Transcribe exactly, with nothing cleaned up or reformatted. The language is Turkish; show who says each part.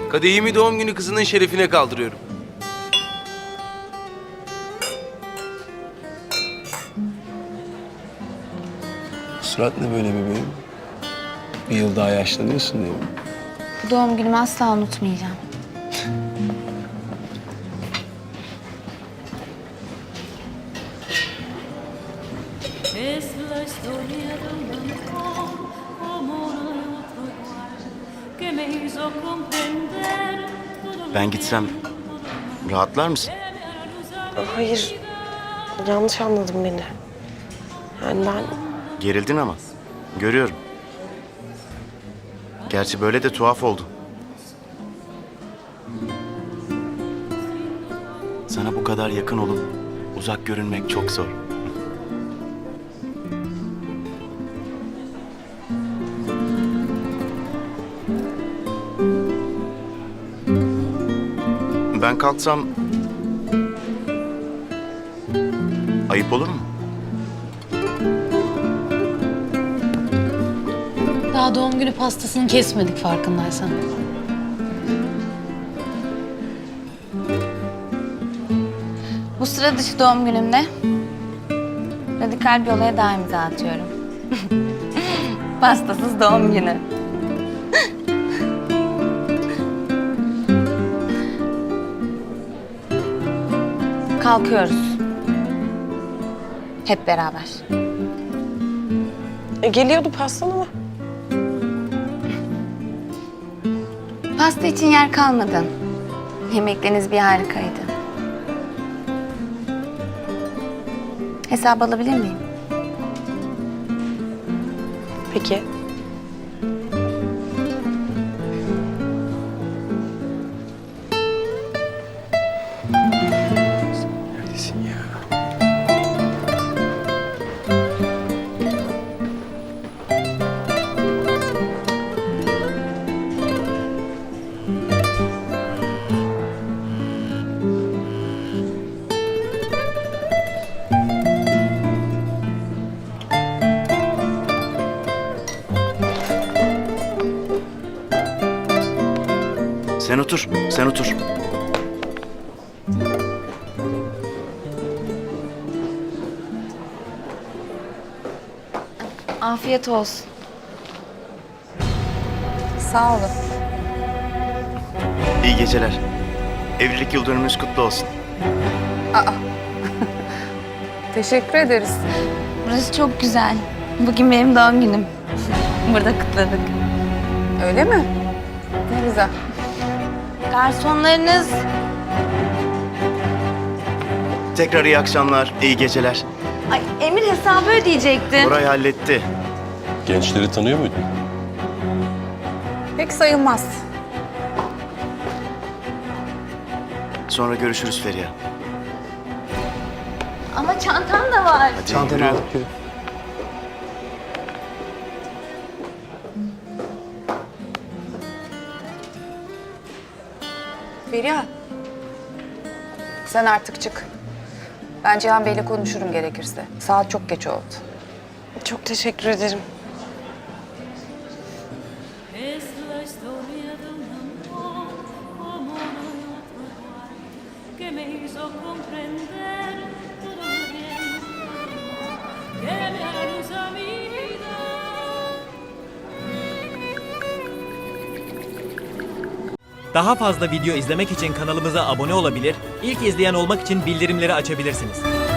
Speaker 1: Kadehimi doğum günü kızının şerefine kaldırıyorum.
Speaker 2: Bu surat ne böyle bebeğim? Bir yıl daha yaşlanıyorsun değil mi?
Speaker 3: Bu doğum günümü asla unutmayacağım.
Speaker 4: Es la historia de un amor como no hay otro igual, que me hizo comprender todo lo
Speaker 5: Ben gitsem rahatlar mısın?
Speaker 6: Hayır, yanlış anladın beni. Yani ben
Speaker 5: Gerildin ama. Görüyorum. Gerçi böyle de tuhaf oldu. Sana bu kadar yakın olup uzak görünmek çok zor. Ben kalksam ayıp olur mu?
Speaker 7: Daha doğum günü pastasını kesmedik farkındaysan.
Speaker 3: Bu sıra dışı doğum günümde radikal bir olaya daha imza atıyorum. Pastasız doğum günü. Kalkıyoruz. Hep beraber.
Speaker 6: e, geliyordu pastan ama.
Speaker 3: Pasta için yer kalmadı. Yemekleriniz bir harikaydı. Hesap alabilir miyim?
Speaker 6: Peki.
Speaker 2: Neredesin ya?
Speaker 5: Sen otur, sen otur.
Speaker 3: Afiyet olsun.
Speaker 6: Sağ olun.
Speaker 5: İyi geceler. Evlilik yıl dönümümüz kutlu olsun.
Speaker 6: Teşekkür ederiz.
Speaker 3: Burası çok güzel. Bugün benim doğum günüm. Burada kutladık.
Speaker 6: Öyle mi? Ne güzel.
Speaker 3: Garsonlarınız
Speaker 5: Tekrar iyi akşamlar, iyi geceler.
Speaker 3: Ay, Emir hesabı ödeyecekti.
Speaker 5: Buray halletti.
Speaker 8: Gençleri tanıyor muydun?
Speaker 6: Pek sayılmaz.
Speaker 5: Sonra görüşürüz Feriha.
Speaker 3: Ama çantam da var.
Speaker 5: Hadi
Speaker 2: Çantanı
Speaker 5: yürü.
Speaker 2: alıp yürü.
Speaker 9: Feriha, sen artık çık. Ben Cihan Bey'le konuşurum gerekirse. Saat çok geç oldu.
Speaker 6: Çok teşekkür ederim.
Speaker 4: Es la historia de un amor como no hay otro igual, que me hizo comprender todo lo bien, que me hará luz a mi vida.
Speaker 10: Daha fazla video izlemek için kanalımıza abone olabilir, ilk izleyen olmak için bildirimleri açabilirsiniz.